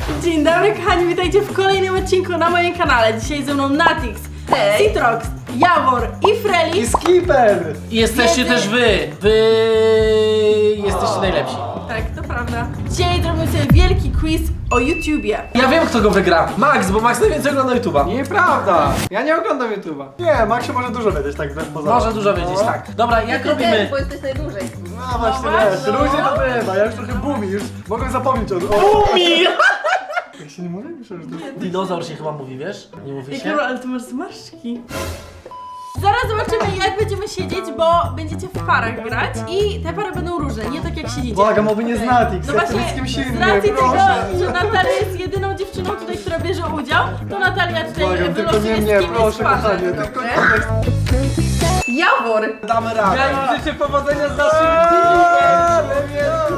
Dzień dobry kochani, witajcie w kolejnym odcinku na moim kanale. Dzisiaj ze mną Natix, Citrox, Jawor i Freli. I Skipper! I jesteście też wy. Jesteście najlepsi. Tak, to prawda. Dzisiaj zrobimy sobie wielki quiz o YouTubie. Ja wiem, kto go wygra. Max, bo Max najwięcej ogląda YouTube'a. Nieprawda! Ja nie oglądam YouTube'a. Nie, Maxie może dużo wiedzieć, tak bez pozoru. Może dużo wiedzieć, tak. Dobra, jak robimy? Bo jesteś najdłużej. No właśnie, wiesz, ludzie to bywa, ja już trochę boomi, już mogłem zapomnieć o... Boomi! Jak się nie mówi? Myślę, że to jest... Dinozaur się chyba mówi, wiesz? Nie mówi Ej, się? Karol, ale ty masz zmarszczki. Zaraz zobaczymy, jak będziemy siedzieć, bo będziecie w parach grać i te pary będą różne, nie tak jak siedzicie. Błagam, oby nie z Natix, No ja chcę właśnie, być z kimś z innym, racji tego, proszę. że Natalia jest jedyną dziewczyną tutaj, która bierze udział, to Natalia tutaj Błagam, tylko wylosuje, nie z mnie, kim jest proszę w parze. kochanie, tylko nie... Jawor! Damy radę. Ja im życzę powodzenia z naszym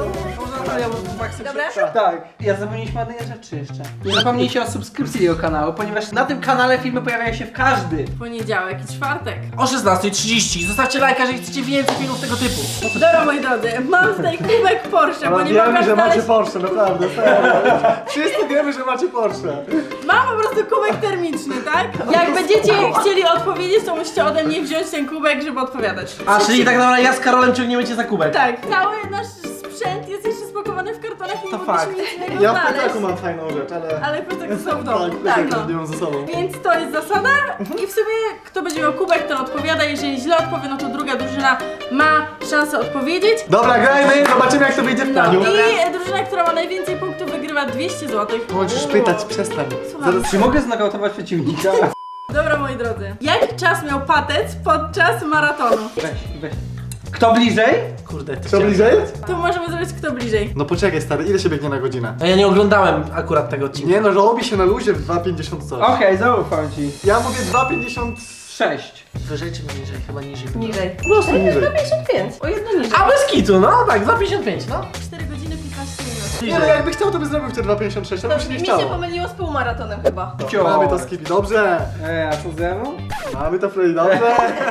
Dobra? Tak, ja zapomnieliśmy o jednej rzeczy jeszcze. Nie zapomnijcie o subskrypcji jego kanału, ponieważ na tym kanale filmy pojawiają się w każdy. Poniedziałek i czwartek. O 16:30. Zostawcie lajka, jeżeli chcecie więcej filmów tego typu. Dobra moi drodzy, mam tutaj kubek Porsche, bo Ale nie wiemy, mogę że macie znaleźć... Porsche, naprawdę, serio. Wszyscy wiemy, że macie Porsche. Mam po prostu kubek termiczny, tak? Jak będziecie chcieli odpowiedzieć, to musicie ode mnie wziąć ten kubek, żeby odpowiadać. A, czyli tak naprawdę ja z Karolem ciągniemy cię za kubek. Tak, cały nasz sprzęt jest jeszcze spakowany w kartonach i nie To mogliśmy fakt. nic innego Ja w znaleźć. plecaku mam fajną rzecz, ale... Ale plecak są w domu. Tak, Tak, plecak no. nie mam ze sobą. Więc to jest zasada i w sumie kto będzie miał kubek, ten odpowiada. Jeżeli źle odpowie, no to druga drużyna ma szansę odpowiedzieć. Dobra, grajmy, zobaczymy jak to wyjdzie w No praniu. i drużyna, która ma najwięcej punktów, wygrywa 200 zł. Możesz pytać, przestań. Słucham. Zaraz Czy mogę znokautować przeciwnika? Dobra moi drodzy, jaki czas miał Patec podczas maratonu? Weź. Kto bliżej? Kurde, ty Co chciałem- bliżej? Tu możemy zrobić kto bliżej. No poczekaj stary, ile się biegnie na godzinę? A ja nie oglądałem akurat tego odcinka. Nie no, robi się na luzie w 2,50 coś. Okej, zaufam ci. Ja mówię 2,50... 6. Wyżej czy niżej? Chyba niżej. Niżej. Po prostu niżej. 55. O jedno niżej. A bez kitu, no tak, za 55, no. 4 godziny 15 minut. Nie no, jakby chciał, to by zrobił te 2,56, ale by się nie Mi chciało. się pomyliło z półmaratonem chyba. Mamy to Skipi, dobrze. A co ze mną? Mamy to Freddy, dobrze.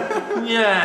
Nie.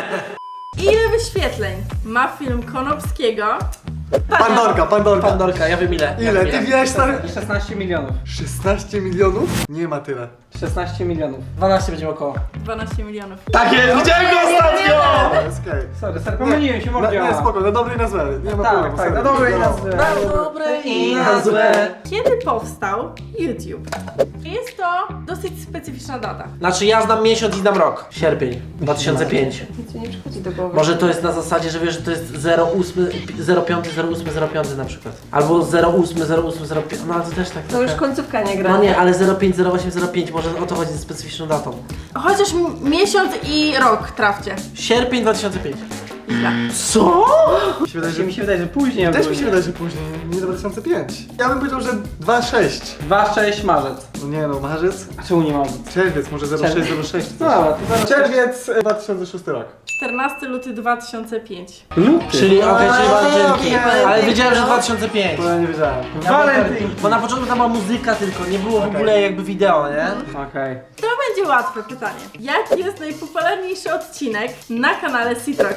Ile wyświetleń ma film Konopskiego? Pandorka. Pandorka, ja wiem ile. Ja Ile? wiem Ty wiesz stary? 16 milionów. 16 milionów? Nie ma tyle. 16 milionów. 12 będzie około. 12 milionów. Tak jest, widziałem go ostatnio! Jest okej. Sorry, pomyliłem się, mordzia. Nie, spoko, na dobre i na złe. Nie ma problemu. Tak, serio. na dobre i na Wiadomo. złe. Na dobre i na złe. Kiedy powstał YouTube? Jest to dosyć specyficzna data. Znaczy ja znam miesiąc i znam rok. Sierpień 2005. Nic mi nie przychodzi do głowy. Może to jest na zasadzie, że wiesz, że to jest 08, 05, 08, 05 na przykład. Albo 08, 08, 05. No ale to też tak. To już trochę. końcówka nie gra. No nie, ale 05, 08, 05, może o to chodzi ze specyficzną datą. Chociaż miesiąc i rok trafcie. Sierpień 2005. Źle. Co? Mi się wydaje, że... Mi się wydaje, że później. Też mi się wydaje, że później, nie 2005. Ja bym powiedział, że 2,6. 2-6 marzec. No nie no, marzec? A czemu nie marzec? Czerwiec, może 06, No dobra, to zaraz. Czerwiec 2006 rok. 14 luty 2005. Luty. Czyli okej, czyli walentynki. walentynki, Ale wiedziałem, że no. 2005. To ja nie wiedziałem. Walentynki. Bo na początku tam była muzyka tylko, nie było w ogóle jakby wideo, nie? Okej. To będzie łatwe pytanie. Jaki jest najpopularniejszy odcinek na kanale Citrox?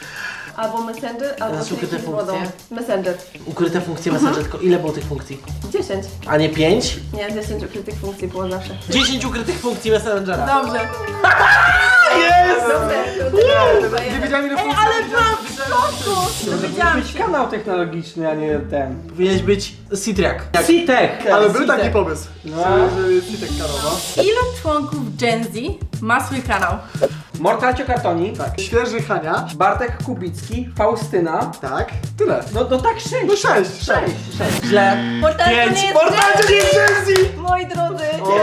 Albo Messenger, albo Teraz ukryte Triki z wodą. funkcje. Messenger. Ukryte funkcje Messenger, tylko ile było tych funkcji? 10. A nie 5? Nie, 10 ukrytych funkcji było zawsze. 10 ukrytych funkcji Messengera. Dobrze. Jest! Nie wiedziałem ile Ej, funkcji. ale byłam w szoku! Dowiedziałam Być się. kanał technologiczny, a nie ten. Powinieneś być Citriak. Citek! Ale był taki pomysł, No. że jest Citek Karowa. Ilu członków Gen Z ma swój kanał? Mortalcio Kartoni. Tak. Świeży Hania. Bartek Kubicki. Faustyna. Tak. Tyle. No tak 6. No 6. Źle. Mortalcio nie 5. jest Mortalcio nie jest Gen Z! Moi drodzy!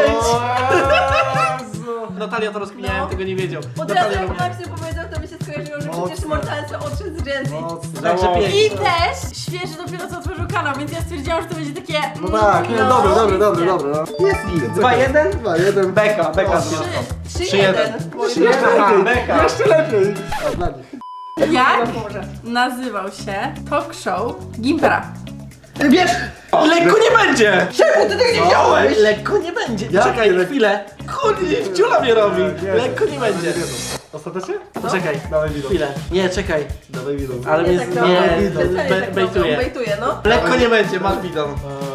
Natalia to rozkminiałem, No. tego nie wiedział. Od razu Natalia jak Max powiedział, to mi się skojarzyło, że Mocno. przecież Mortalcio odszedł z Gen Z. Także 5. I też świeży dopiero co otworzył kanał, więc ja stwierdziłam, że to będzie takie... No tak, nie, dobre, no. Jest git. 2-1. 2-1. Beka O, z nią. 3-1. Jeszcze lepiej. Beka. Jeszcze lepiej. A dla nich. Jak nazywał się talk show Gimpera? Wiesz! Lekko nie będzie! Czemu ty tego nie wziąłeś? Lekko nie będzie. Jak Czekaj nie? chwilę. Kurde, wciula mnie robi. Lekko nie będzie. Ostatecznie? Poczekaj, Dawaj widok. chwilę. Nie, czekaj. Dawaj widok. Ale mnie tak nie, specjalnie tak robią, bejtuje. bejtuje, no. Lekko nie będzie, masz bidon.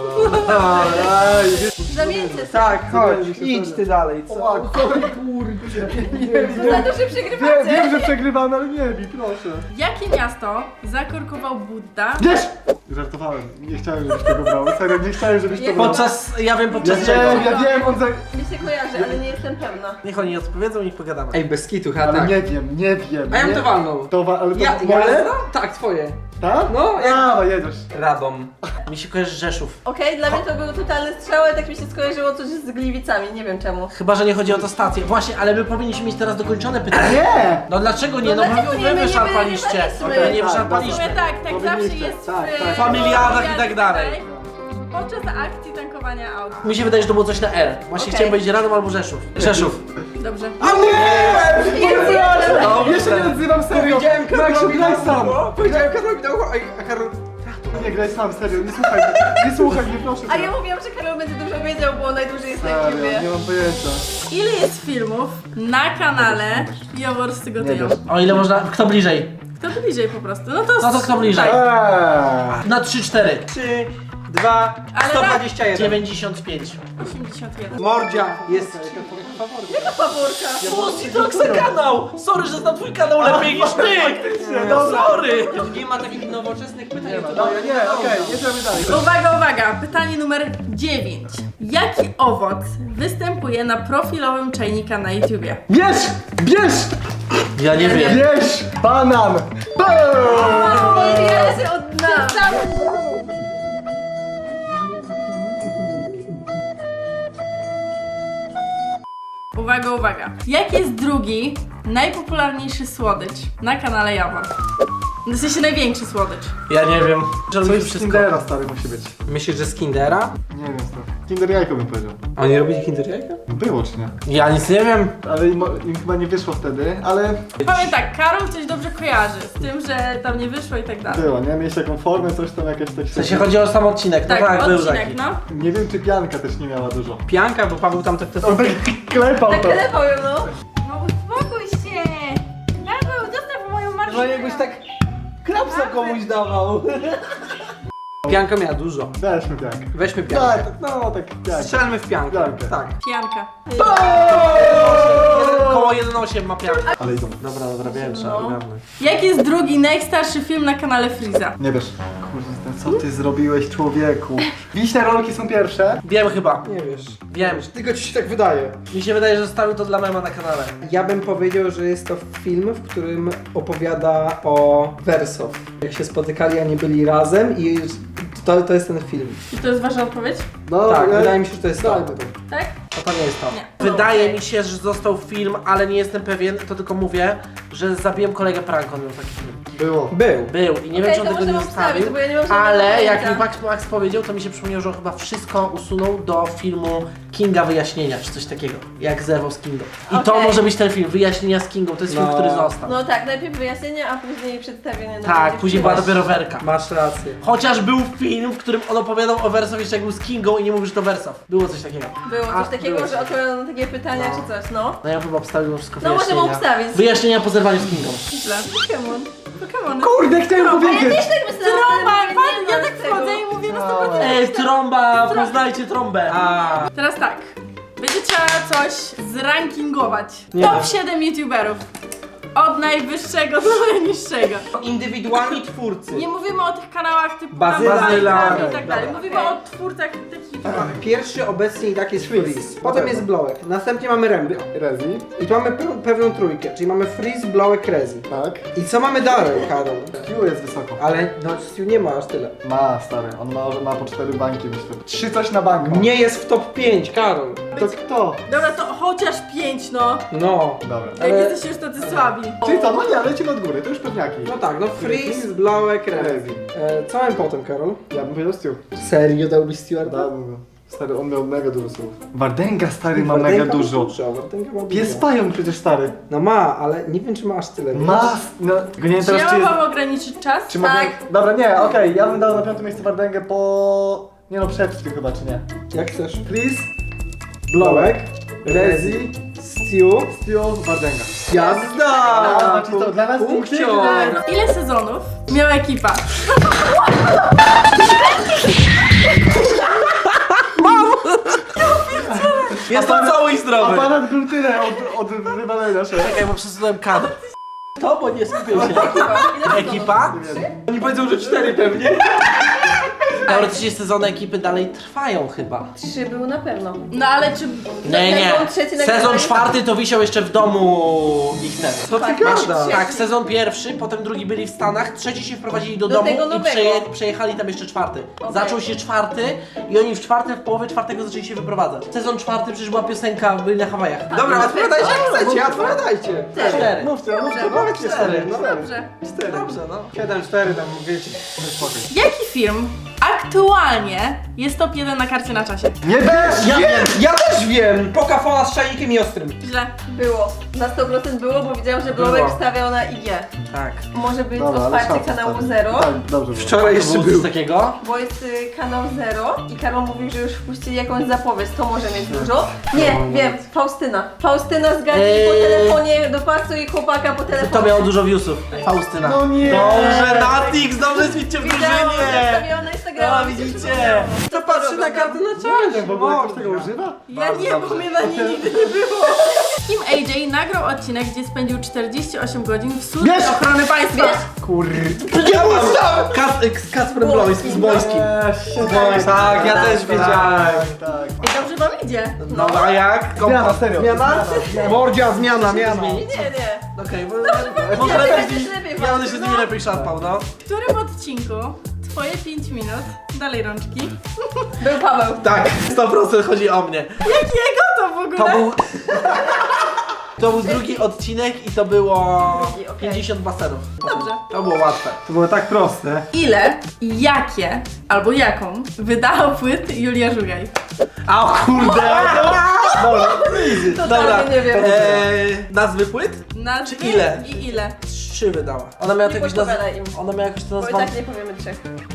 Zamieńcie się. Tak, chodź, Zamieńcie się, idź sorry. ty dalej, O, co? kurde. To za to, że przegrywacie. Wiem, że przegrywamy, ale nie bij, proszę. Jakie miasto zakorkował Budda? Wiesz! Żartowałem, nie chciałem, żebyś tego brał. Serio, nie chciałem, żebyś to brał. Ja wiem Ja podczas czego. wiem, on za... Mi się kojarzy, ale nie jestem pewna. Niech oni odpowiedzą, niech pogadamy. Ej, bez kitu, ha, Ale tak. nie wiem. A ja bym to nie. walnął. Ale to Ja moje? Tak, twoje. Tak? No, jak- A, jedziesz. Radom. Mi się kojarzy Rzeszów. Okej, dla mnie to był totalny strzał, ale tak mi się skojarzyło coś z Gliwicami, nie wiem czemu. Chyba, że nie chodzi o to stację. Właśnie, ale my powinniśmy mieć teraz dokończone pytanie. Nie! No dlaczego nie? No No dlaczego bo nie? wy My nie wyszarpaliście. wyrywaliśmy. My nie Tak, W wyszarpaliśmy. sumie tak zawsze Powinniście. jest Tak, w tak. Familiadach i tak dalej. Podczas akcji tankowania aut. Mi się wydaje, że to było coś na R. Właśnie Okej. chciałem powiedzieć Radom albo Rzeszów. Rzeszów. Dobrze. A nie! Dobrze. Ja się nie odzywam serio! Powiedziałem Maksiu, graj sam! Powiedziałem Karolowi na ucho, a Karol... Nie graj sam, serio, nie słuchaj mnie, proszę A cię. ja mówiłam, że Karol będzie dużo wiedział, bo on najdłużej jest na Serio, YouTubie. nie mam pojęcia. Ile jest filmów na kanale Jaworscy Nie gotują? wiesz. O ile można. Kto bliżej? Kto bliżej po prostu? No to, No to kto bliżej? Tak. Na 3-4. 3, 2, Ale 121. 95. 81. Mordzia jest... Jaka faworka? O, Citroxa kanał! Sorry, że znam twój kanał lepiej niż ty! Sorry! Nie ma takich nowoczesnych pytań. to Dobra, nie, okej, jedziemy dalej. Uwaga! Pytanie numer 9. Jaki owoc występuje na profilowym czajnika na YouTubie? Bierz! Ja nie wiem. Bierz! Banan! Ja się oddam. Uwaga! Jaki jest drugi najpopularniejszy słodycz na kanale Jawor? W sensie największy słodycz. Ja nie wiem. Coś z Kindera, stary, musi być. Myślisz, że z Kindera? Nie wiem, stary. Kinder jajko bym powiedział. Oni robili Kinder jajka? Było czy nie? Ja nic nie wiem. Ale im chyba nie wyszło wtedy, ale Powiem tak, Karol coś dobrze kojarzy z tym, że tam nie wyszło i tak dalej. było, nie? Mieliście jaką formę, coś tam jakieś tak W sensie chodzi o sam odcinek. No tak, był odcinek, taki. no. Nie wiem, czy pianka też nie miała dużo. Pianka, bo Paweł tam te On tak klepał Tak to. klepał ją, no. No uspokój się! Paweł, zostaw moją marszynę! No jakbyś tak klapsa komuś dawał. Pianka miała dużo. Weźmy piankę. Weźmy piankę. Tak, no tak, piankę. Strzelmy w piankę. Piankę. Tak. Pijanka. Koło 1,8 ma piankę. Ale idą. Dobra, wiem, trzeba ogarnąć. Jaki jest drugi najstarszy film na kanale Freeza? Nie wiesz. Kurde, co ty zrobiłeś, człowieku? Wiśne rolki są pierwsze. Wiem chyba. Nie wiesz. Wiem. Tylko ci się tak wydaje. Mi się wydaje, że zostawił to dla mema na kanale. Ja bym powiedział, że jest to film, w którym opowiada o Wersow. Jak się spotykali, a nie byli razem i to jest ten film. I to jest wasza odpowiedź? No, Tak, wydaje mi się, że to jest to. Dajmy to. Tak? To nie jest to. Nie. Wydaje Okej. mi się, że został film, ale nie jestem pewien, to tylko mówię, że zabiłem kolegę prank, on miał taki film. Było. Był i nie wiem, Okej, czy on to tego nie możemy zostawił, obstawić, bo ja nie mam żadnego ale jak pojęcia. mi Max powiedział, to mi się przypomniał, że on chyba wszystko usunął do filmu Kinga Wyjaśnienia, czy coś takiego, jak zerwał z Kingą. I to Okej. może być ten film, Wyjaśnienia z Kingą, to jest film, No. który został. No tak, najpierw wyjaśnienie, a później przedstawienie. Tak, później była dopiero werka. Masz rację. Chociaż był film, w którym on opowiadał o Wersow jeszcze jak był z Kingą i nie mówił, że to Wersow. Było coś takiego. Było A, coś takiego, było że odpowiadano na takie pytania czy coś, no. No ja chyba obstawił wszystko No możemy wyjaśnienia. obstawić. Wyjaśnienia po zerwaniu z Kingą. Źle. Pokémon. Kurde, chciałem Ja powiedzieć! też tak myślałam, Trąba! ale nie Ja ma tak tego. wchodzę i mówię na 100%. Ej, trąba! Poznajcie trąbę! A, Teraz tak. Będzie trzeba coś zrankingować. Nie Top wiem. 7 YouTuberów. Od najwyższego do najniższego. indywidualni twórcy. Nie mówimy o tych kanałach typu Bazyla. i tak dalej. Dobra. Mówimy o twórcach takich YouTuberowych. Pierwszy obecnie i tak jest Freeze. Potem jest Blowek. Następnie mamy Remry. Rezi. I tu mamy pewną trójkę, czyli mamy Freeze, Blowek, Rezi. Tak. I co mamy dalej, Karol? Q jest wysoko. Ale no Stu nie ma aż tyle. Ma, stary. On ma po 4 banki, myślę. 3 coś na bank ma. Nie jest w top 5, Karol. To kto? Dobra, to chociaż 5 no. No. Dobra. Jak Ale- jesteście już tacy słabi. Czyli co, no nie, lecimy od góry, to już pewniaki. No tak, no Freeze, Blowek, Rezi. Co mamy potem, Karol? Ja bym powiedział Stu. Serio dałbyś Stewarda? Dałbym go. Stary, on miał mega dużo słów. Wardęga, stary, ma mega dużo. Wardęga ma Pies dużo. pająk przecież, stary. No ma, ale nie wiem czy ma aż tyle. Ma, no, tylko nie wiem Czy teraz, ja czy jest... mam ograniczyć czas? Czy mogę... Tak. Dobra, nie, okej, ja bym dał na 5. miejsce Wardęgę po... Nie no, przed Stu chyba, czy nie? Jak chcesz? Please, Blowek, Rezi, Stu, Stu, Wardęga. jazda! Znaczy to dla nas Punkcior! Ile sezonów miała ekipa? Jestem cały i zdrowy. Aparat był tyle od wywalenia się. Czekaj, bo przesunąłem kadr. To, bo nie skupił się. Ekipa? Oni powiedzą, że 4 pewnie. Teoretycznie sezony ekipy dalej trwają chyba. 3 były na pewno. No ale czy... Nie. Sezon trzeci Sezon nagrywali? 4 to wisiał jeszcze w domu ich ten. Co ty Tak, gadasz? Tak, sezon 1, potem drugi byli w Stanach, trzeci się wprowadzili do Do domu tego i nowego. przejechali tam jeszcze 4. Okej. Zaczął się 4 i oni w połowie 4 zaczęli się wyprowadzać. Sezon 4 przecież była piosenka, byli na Hawajach. Dobra, odpowiadajcie jak chcecie, odpowiadajcie. 4. Mówcie, Powiedzcie 4. No Dobrze. 4. Dobrze, no. 7, 4 tam wiecie. Jaki film aktualnie jest top 1 na karcie na czasie? Nie wiesz! Ja też wiem! Pokafona z czajnikiem i ostrym. Źle. Było. Na 100% było, bo widziałam, że Blowek Było. wstawiał na IG. Tak. Może być Dobra, ale otwarcie szansa kanału wtedy. Zero, Tak, dobrze było. Wczoraj To jeszcze było był. coś takiego? bo jest kanał Zero i Karol mówił, że już wpuścili jakąś zapowiedź, to może mieć dużo. Nie, wiem, Faustyna. Faustyna zgadnij po telefonie, dopasuj chłopaka po telefonie. To miało dużo viewsów. Faustyna. No nie! Dobrze, Natix, dobrze widzicie w Widziałam, że drużynie. wstawiała na Instagrama. No, widzicie. To patrzy na kartę na czasie. W ogóle ktoś tego używa? Ja nie, bo mnie na niej nigdy nie było. Kim AJ nagrał odcinek, gdzie spędził 48 godzin w służbie Wiesz! ochrony państwa. Ja mam Kacper Bloński z Bońskim. Tak, ja też wiedziałem. Tak. I dobrze wam idzie. No a jak? Zmiana, serio. Zmiana? Mordzia, zmiana. Nie, nie. Okej, może Ty lepiej będziesz z nimi, lepiej ja będę się z walczył, nimi no. lepiej szarpał, no. W którym odcinku twoje 5 minut, dalej rączki, Był Paweł. Tak, 100% chodzi o mnie. jakiego to w ogóle? To był... To był drugi odcinek i to było Drugi, okej. 50 basenów. Dobrze. To było łatwe. To było tak proste. Ile i jakie, albo jaką, wydał płyt Julia Żugaj? A o kurde! Dobra, nie wiem. nazwy płyt? Nazwy Czy ile? I ile? 3 wydała. Ona miała Nie jakąś nazwę. podpowiadaj im. Ona miała jakąś Bo i nazwę. tak nie powiemy 3.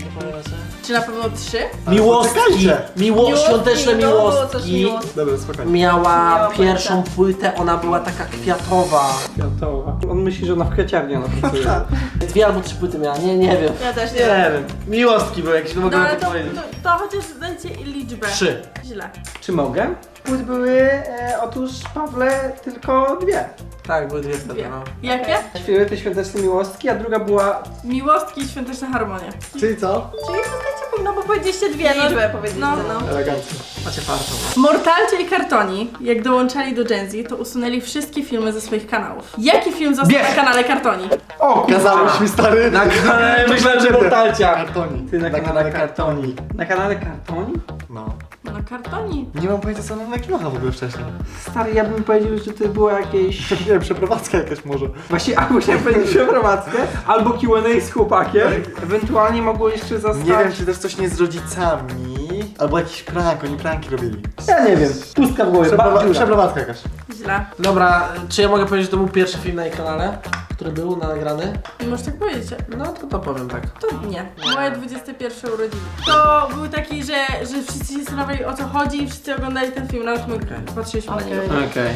Czy na pewno 3? Miłostki. poczekajcie. Świąteczne No, było coś miłostki. miłostki. Dobra, spokojnie. Miała Miała pierwszą płytę, ona była taka kwiatowa. Kwiatowa. On myśli, że ona w kwieciarni ona pracuje. 2 albo 3 płyty miała, nie wiem. Ja też Nie nie. wiem. Miłostki były jakieś, no mogę No ale to powiedzieć. to chociaż dajcie liczbę. 3. Źle. Czy mogę? Płyt były, otóż Pawle, tylko 2. Tak, były 2 wtedy, Dwie. no. Jakie? Śpiewały te świąteczne miłostki, a druga była... Miłostki i świąteczne harmonie. Czyli co? Czyli zostajecie, no bo powiedzieliście 2, no. Liczbę powiedzieliście, no. Elegancko. Macie farto. No. Mortalcie i Kartoni, jak dołączali do Gen Z, to usunęli wszystkie filmy ze swoich kanałów. Jaki film został Wiesz. na kanale Kartoni? O, Kazałeś mi, stary. Na kanale myślałem, że Mortalcia. Kartoni. Ty na kanale Kartoni. Na kanale Kartoni? No. No Kartoni. Nie mam pojęcia, co ona nagrywana w ogóle wcześniej. Stary, ja bym powiedział, że to było jakieś... Nie wiem, przeprowadzka jakaś może. Właśnie albo chciałem powiedzieć przeprowadzkę, albo Q&A z chłopakiem. Ewentualnie mogło jeszcze zostać... Nie wiem, czy też coś nie z rodzicami. Albo jakiś prank, oni pranki robili. Ja nie wiem. Pustka w głowie. dziura. Przeprowadzka jakaś. Źle. Dobra, czy ja mogę powiedzieć, że to był pierwszy film na jej kanale? Który był nagrany? Możesz tak powiedzieć. No to powiem tak. To nie. Moje 21 urodziny. To był taki, że wszyscy się zastanawiali, o co chodzi i wszyscy oglądali ten film, nawet my patrzyliśmy na niego. Okej.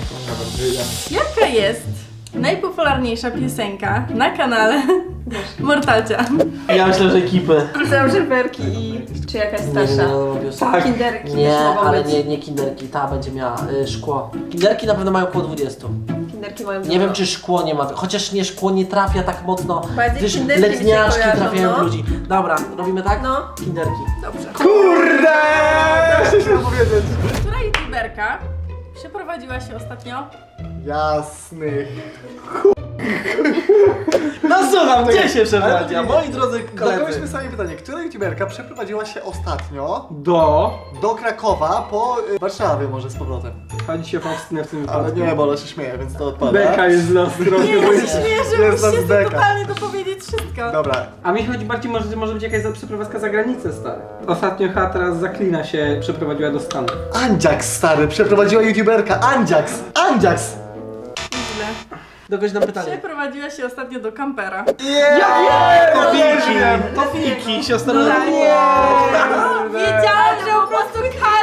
Jaka jest najpopularniejsza piosenka na kanale Mortalcia? Ja myślę, że ekipy. Są żeberki i... Czy jakaś starsza? Tak. Kinderki Nie, też mogą ale być. nie kinderki, ta będzie miała szkło. Kinderki na pewno mają około 20. Kinderki mają Nie wiem, dużo. czy szkło nie ma, chociaż nie, szkło nie trafia tak mocno, Bardziej gdyż kinderki mi się letniaczki kojarzą, trafiają w no. ludzi. Dobra, robimy tak? No. Kinderki. Dobrze. Kurde! Chcę się powiedzieć. Która youtuberka przeprowadziła się ostatnio? Jasnych. No słucham, gdzie się Ale przeprowadziła? nie. Moi drodzy koledzy. Zadałyśmy sobie pytanie, która youtuberka przeprowadziła się ostatnio Do... do Krakowa po Warszawie może z powrotem. Chodzi się o Faustynę w tym Ale wypadku. nie, bo ona się śmieje, więc to odpada. Beka jest z nas trochę. Nie, bo ja jest- się śmieję, że jest nas musicie beka. totalnie dopowiedzieć wszystko. Dobra, A mi chodzi bardziej, może być jakaś przeprowadzka za granicę, stary. Ostatnio chyba teraz Zaklina się przeprowadziła do Stanów. Andziax, stary, przeprowadziła youtuberka. Andziax! Andziax! Źle. Dokończ nam pytanie. Przeprowadziła się ostatnio do kampera. To Fiki! To Fiki, siostra. Wiedziałam, że po prostu każdy się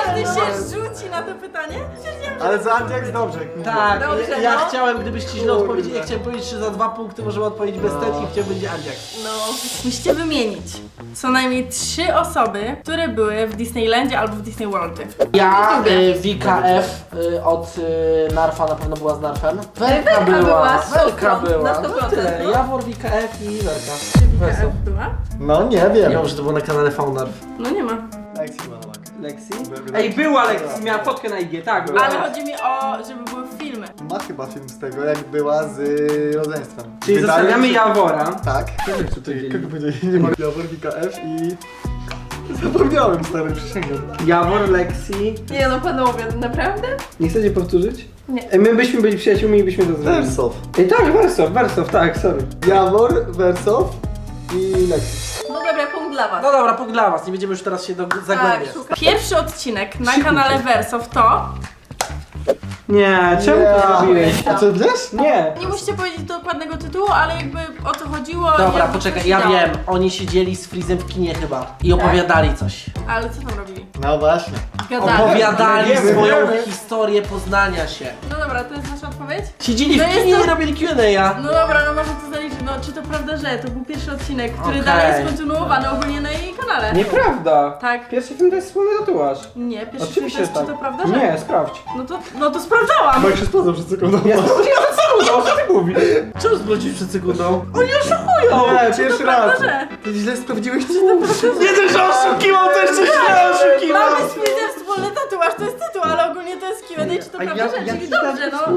rzuci na to pytanie? Stwierdziłam, że Ale za Andziak dobrze. Tak, Dobrze, ja no. chciałem, gdybyście źle Kurde. odpowiedzieli, ja chciałem powiedzieć, że za 2 punkty możemy odpowiedzieć bez setki, chciałem będzie Andziak. No. musicie wymienić co najmniej 3 osoby, które były w Disneylandzie albo w Disney Worldzie. Ja, Wika F od Narfa na pewno była z Narfem. Werka była, Werka na była. 100%, No tyle. no. Jawor, Wika F i Werka. Czy Wika Wesoł. F była? No nie Nie wiem. wiem, że to było na kanale Faunarf. No nie ma. Lexi była na bank. Lexi? Była. Ej, była Lexi, miała fotkę na IG, tak, była. Ale chodzi mi o, żeby były filmy. Ma chyba film z tego, jak była z rodzeństwem. Czyli Wydaje zostawiamy mi się- Jawora. Tak. Kogo powiedzieli? Nie ma Jawor, Wika F i... Zapomniałem, stary, przysięgam. Jawor, Lexi. Nie no panowie, naprawdę? Nie chcecie powtórzyć? Nie. Ej, my byśmy byli przyjaciółmi i byśmy to zrobili. Wersow. Ej, tak, Wersow, tak, sorry. Jawor, Wersow i Lexi. No dobra, punkt dla was. No dobra, punkt dla was, nie będziemy już teraz się zagłębiać. szukam. Pierwszy odcinek na kanale Wersow to... Nie, czemu to zrobiłeś? A co, wiesz? Nie. Nie musicie powiedzieć dokładnego tytułu, ale jakby o co chodziło. Dobra, jakby poczekaj, coś ja dało. wiem, oni siedzieli z Freezem w kinie chyba i opowiadali coś. Ale co tam robili? No właśnie. Gadali. Opowiadali Wiemy, swoją wiemy. historię poznania się. No dobra, to jest nasza odpowiedź? Siedzieli No w jest kinie to- i robili Q&A. No dobra, no może to zaliczyć. No czy to prawda, że to był pierwszy odcinek, który Okej. dalej jest kontynuowany ogólnie na jej kanale? Nieprawda. Tak. Pierwszy film to jest wspólny tatuaż. Nie, pierwszy film to Oczywiście jest, tak. czy to prawda, że? Nie, sprawdź. No to sprawdzałam. Bo jak się sprawdzał przed sekundą. Ja sprawdziłem przed sekundą, co ty mówisz? Czemu zwrócić przed sekundą? Oni oszukują! Nie, pierwszy raz. Prawda, że? Ty źle sprawdziłeś Nie dość, że oszukiwał, to jeszcze źle oszukiwał! Mamy swój wspólny tatuaż, to jest tytuł, ale ogólnie to jest Q&A, czy to prawda, że? Czyli dobrze, no.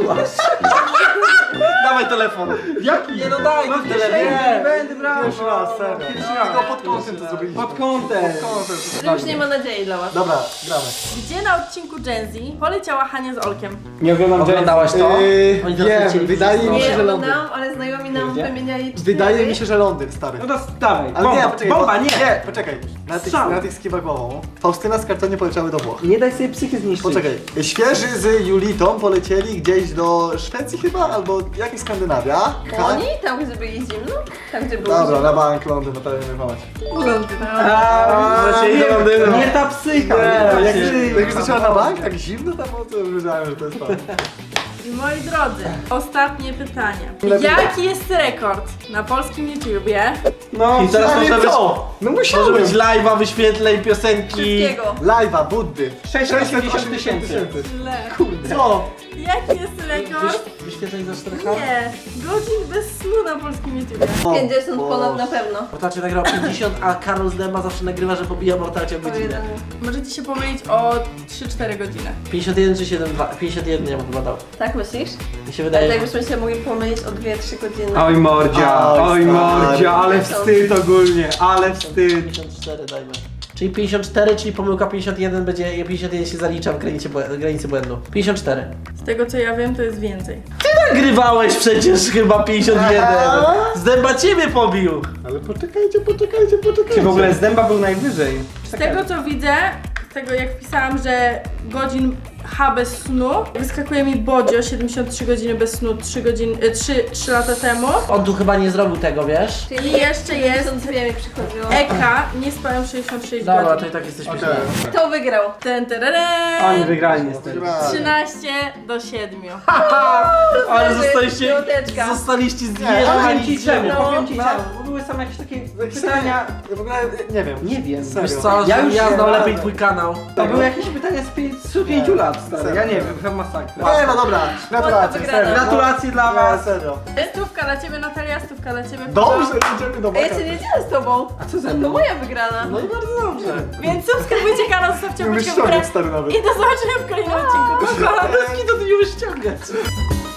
Dawaj telefon. Jaki? Nie no daj No ten nie, telefon. nie będę brał. Pierwszy raz, serio. Pierwszy raz. Tylko pod kątem to zrobiliśmy. Pod kątem. Że już nie ma nadziei dla was. Dobra, gramy. Gdzie na odcinku Gen Z poleciała Hania z Olkiem? Nie oglądam Oglądałaś to? Oni teraz Wiem, lecieli wydaje wszyscy. mi się, Nie że Londyn. oglądałam, ale znajomi nam Gdzie? wymieniali 4. Wydaje mi się, że Londyn, stary. No to dawaj. Ale nie, Bomba, poczekaj. bomba, bo- nie. Nie, poczekaj. Strzał. Na tych skiwa głową. Faustyna z kartonie poleciały do Włoch. Nie daj sobie psychy zniszczyć. Poczekaj, świeży z Julitą polecieli gdzieś do Szwecji chyba, albo jakaś Skandynawia. Oni? Tam gdzie byli zimno? Tam gdzie było Dobra, zimno? na bank Londyn, na pewno pomać. Londyn. Nie ta psycha. Nie, jak Nie, już zaczęła na bank, tak zimno tam było, to już wiedziałem, że to jest to. I moi drodzy, ostatnie pytanie. Lepiej Jaki jest rekord na polskim YouTubie? No, I teraz Ale może być, co? No może musiałem. być live'a, wyświetleń, piosenki. Wszystkiego. Live'a, Buddy. 680 tysięcy. Źle. Co? Jaki jest rekord? Wyświetleń za 4K? Nie. Godzin bez snu na polskim YouTubie. 50 ponad na pewno. Mortalcie nagrał 50, a Karol z Dęba zawsze nagrywa, że pobija Mortalcie w godzinę. Możecie się pomylić o 3-4 godziny. 51 czy 7,2? 51 nie bym chyba dał. Tak myślisz? Mi się Ale wydaje. tak byśmy się mogli pomylić o 2-3 godziny. Oj mordzia, Oj, oj stary. mordzia, ale wstyd ogólnie, ale wstyd. 54 dajmy. Czyli 54, czyli pomyłka 51 będzie, 51 się zalicza w granicy błędu. 54. Z tego co ja wiem, to jest więcej. Nagrywałeś przecież chyba 51. Z Dęba ciebie pobił. Ale poczekajcie. Czy w ogóle z dęba był najwyżej? Z tego co widzę, z tego jak wpisałam, że godzin H bez snu, wyskakuje mi Bodzio 73 godziny bez snu 3 lata temu. On tu chyba nie zrobił tego, wiesz? I jeszcze jest 52 mi przychodziło. Eka, nie spałem 66 Dobra, to godzin. i tak jesteśmy Okej. źle. Kto wygrał? Ten tereren. Oni wygrali niestety. 13-7. Ale zostaliście Powiem zjechani ci z czemu, ziemią. powiem ci czemu. Bo były same jakieś takie pytania. Ja w ogóle nie wiem. Nie wiem. Serio. Wiesz co, Ja ja, już ja nie znał radzę. lepiej twój kanał. To były jakieś pytania z 5 lat, stary. Ja nie wiem, chyba masakra. Nie, no dobra. Gratulacje, wygrana. serio. Gratulacje dla Nie, was. serio. Stówka dla ciebie Natalia, stówka dla ciebie Dobrze, Kuba. idziemy do A ja baka. cię nie dzielę z tobą. A co ze To mną? moja wygrana. No i bardzo dobrze. Więc subskrybujcie kanał, zostawcie Nie łapeczkę w ściągać, górę stary, nawet. i do zobaczenia w kolejnym odcinku. Pa, pa. Bez kitu ty nie umiesz ściągać.